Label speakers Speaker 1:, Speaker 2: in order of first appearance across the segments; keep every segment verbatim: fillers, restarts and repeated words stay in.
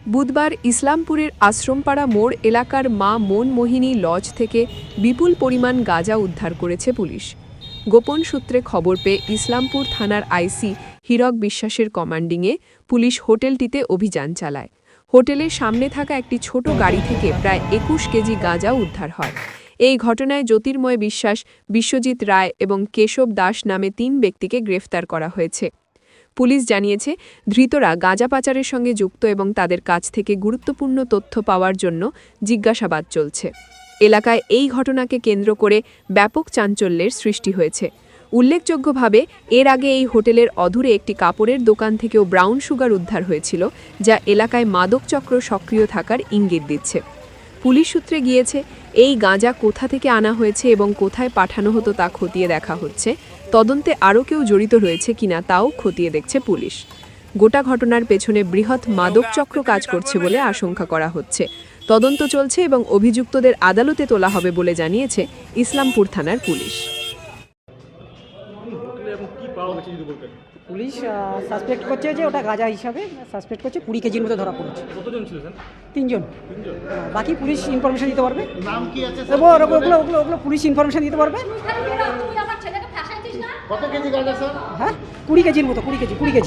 Speaker 1: বুধবার ইসলামপুরের আশ্রমপাড়া মোড় এলাকার মা মনমোহিনী লজ থেকে বিপুল পরিমাণ গাঁজা উদ্ধার করেছে পুলিশ। গোপন সূত্রে খবর পেয়ে ইসলামপুর থানার আইসি হীরক বিশ্বাসের কমান্ডিংয়ে পুলিশ হোটেলটিতে অভিযান চালায়। হোটেলের সামনে থাকা একটি ছোট গাড়ি থেকে প্রায় একুশ কেজি গাঁজা উদ্ধার হয়। এই ঘটনায় জ্যোতির্ময় বিশ্বাস, বিশ্বজিৎ রায় এবং কেশব দাস নামে তিন ব্যক্তিকে গ্রেফতার করা হয়েছে। পুলিশ জানিয়েছে, ধৃতরা গাঁজা পাচারের সঙ্গে যুক্ত এবং তাদের কাছ থেকে গুরুত্বপূর্ণ তথ্য পাওয়ার জন্য জিজ্ঞাসাবাদ চলছে। এলাকায় এই ঘটনাকে কেন্দ্র করে ব্যাপক চাঞ্চল্যের সৃষ্টি হয়েছে। উল্লেখযোগ্যভাবে এর আগে এই হোটেলের অদূরে একটি কাপড়ের দোকান থেকেও ব্রাউন সুগার উদ্ধার হয়েছিল, যা এলাকায় মাদকচক্র সক্রিয় থাকার ইঙ্গিত দিচ্ছে। পুলিশ সূত্রে গিয়েছে, এই গাঁজা কোথা থেকে আনা হয়েছে এবং কোথায় পাঠানো হতো তা খতিয়ে দেখা হচ্ছে। তদন্তে আরও কেউ জড়িত রয়েছে কিনা তাও খতিয়ে দেখছে পুলিশ। গোটা ঘটনার পেছনে বৃহৎ মাদকচক্র কাজ করছে বলে আশঙ্কা করা হচ্ছে। তদন্ত চলছে এবং অভিযুক্তদের আদালতে তোলা হবে বলে জানিয়েছে ইসলামপুর থানার পুলিশ।
Speaker 2: পুলিশ সাসপেক্ট করছে যে ওটা গাঁজা হিসাবে সাসপেক্ট করছে, কুড়ি কেজির মতো ধরা পড়েছে।
Speaker 3: কতজন ছিল স্যার?
Speaker 2: তিনজন। বাকি পুলিশ ইনফরমেশন দিতে পারবে।
Speaker 3: নাম কি আছে
Speaker 2: ওগুলো ওগুলো ওগুলো ওগুলো পুলিশ ইনফরমেশন দিতে পারবে।
Speaker 3: কত কেজি গাঁজা স্যার?
Speaker 2: হ্যাঁ, কুড়ি কেজির মতো, কুড়ি কেজি কুড়ি কেজি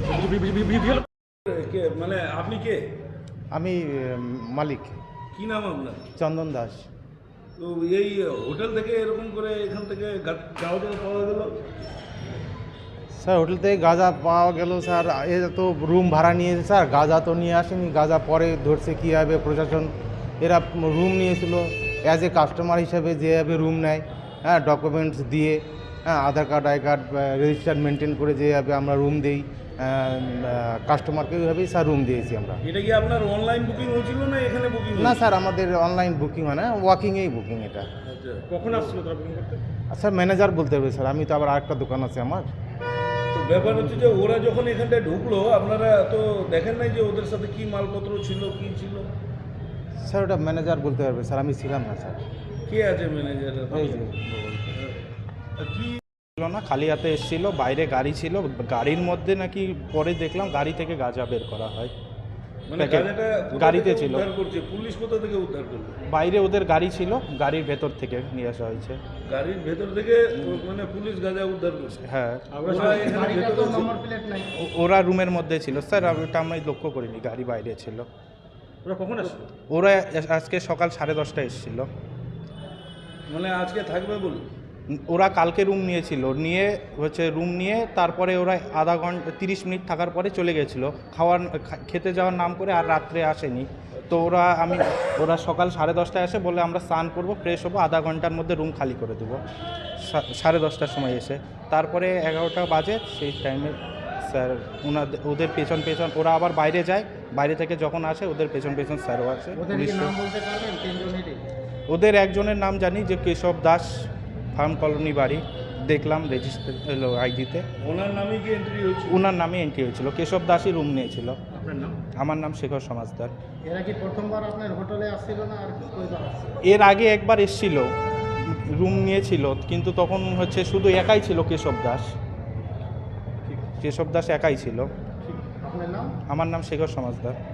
Speaker 3: মানে আপনি কে?
Speaker 4: আমি মালিক।
Speaker 3: কি নাম আপনার?
Speaker 4: চন্দন দাস।
Speaker 3: তো এই হোটেল থেকে এরকম করে এখান থেকে গাঁজা পাওয়া গেল?
Speaker 4: স্যার হোটেল থেকে গাঁজা পাওয়া গেল স্যার, এ তো রুম ভাড়া নিয়েছে স্যার, গাঁজা তো নিয়ে আসেনি। গাঁজা পরে ধরছে কীভাবে প্রশাসন, এরা রুম নিয়েছিল অ্যাজ এ কাস্টমার হিসাবে যেভাবে রুম নেয়, হ্যাঁ ডকুমেন্টস দিয়ে, হ্যাঁ Aadhaar card I card register maintain করে যেভাবে আমরা রুম দিই কাস্টমারকে, ওইভাবেই স্যার রুম দিয়েছি আমরা।
Speaker 3: এটা কি আপনার অনলাইন বুকিং হয়েছিল না এখানে বুকিং?
Speaker 4: না স্যার, আমাদের অনলাইন বুকিং হয় না, ওয়াকিংয়েই বুকিং এটা।
Speaker 3: আচ্ছা, কখন আসছিল তারা বুকিং করতে?
Speaker 4: স্যার ম্যানেজার বলতে হবে স্যার, আমি তো আবার আরেকটা দোকান আছে আমার।
Speaker 3: তো ব্যাপার হচ্ছে যে ওরা যখন এখানটায় ঢুকলো আপনারা তো দেখেন নাই যে ওদের সাথে কি মালপত্র ছিল, কি ছিল?
Speaker 4: স্যার ওটা ম্যানেজার বলতে পারবে স্যার, আমি ছিলাম না স্যার।
Speaker 3: কে আছে ম্যানেজার?
Speaker 4: এই যে
Speaker 3: কি
Speaker 5: ছিল না, খালি হাতে এসেছিল, বাইরে গাড়ি ছিল, গাড়ির মধ্যে নাকি পরে দেখলাম গাড়ি থেকে গাঁজা বের করা হয়।
Speaker 3: মানে
Speaker 5: প্যাকেট
Speaker 3: গাঁজাটা কোথা
Speaker 5: গাড়িতে
Speaker 3: থেকে
Speaker 5: ছিল।
Speaker 3: উদ্ধার করছে পুলিশ? কোথা থেকে উদ্ধার করলো?
Speaker 5: বাইরে ওদের গাড়ি ছিল, গাড়ির ভেতর থেকে নিয়ে আসা হয়েছে।
Speaker 3: গাড়ির ভেতর থেকে মানে পুলিশ গাঁজা উদ্ধার করছে?
Speaker 5: হ্যাঁ,
Speaker 3: ওরা এখানে ভেতরে ছিল?
Speaker 5: ও- ওরা রুমের মধ্যে ছিল স্যার, ওটা আমি লক্ষ্য করিনি, গাড়ি বাইরে ছিল।
Speaker 3: ওরা কখন আসলো?
Speaker 5: ওরা আজকে সকাল সাড়ে দশটায় এসেছিল।
Speaker 3: মানে আজকে থাকবে বলে?
Speaker 5: ওরা কালকে রুম নিয়েছিল, নিয়ে হচ্ছে রুম নিয়ে তারপরে ওরা আধা ঘন্টা তিরিশ মিনিট থাকার পরে চলে গেছিলো খাওয়ার খা- খেতে যাওয়ার নাম করে, আর রাত্রে আসেনি। তো ওরা আমি ওরা সকাল সাড়ে দশটায় আসে, বলে আমরা স্নান করবো, ফ্রেশ হবো, আধা ঘন্টার মধ্যে রুম খালি করে দেবো। সা- সাড়ে দশটার সময় এসে তারপরে এগারোটা বাজে, সেই টাইমে স্যার ওনাদের ওদের পেছন পেছন ওরা আবার বাইরে যায়, বাইরে থেকে যখন আসে ওদের পেছন পেছন স্যারও আসে। পুলিশ ওদের একজনের নাম জানি যে কেশব দাস, ফার্ম কলোনি বাড়ি, দেখলাম রেজিস্টার হলো আইডিতে,
Speaker 3: ওনার নামে কি এন্ট্রি হয়েছে?
Speaker 5: ওনার নামে এন্ট্রি হয়েছিল। কেশব দাসই রুম নিয়েছিল।
Speaker 3: আপনার নাম?
Speaker 5: আমার নাম শেখর সমাজদার।
Speaker 6: এরা কি প্রথমবার আপনার হোটেলে আসছিল না আর কয়বার আসছে?
Speaker 5: এর আগে একবার এসেছিল, রুম নিয়েছিল, কিন্তু তখন হচ্ছে শুধু একাই ছিল কেশব দাস। কেশব দাস একাই ছিল।
Speaker 6: আপনার নাম?
Speaker 5: আমার নাম শেখর সমাজদার।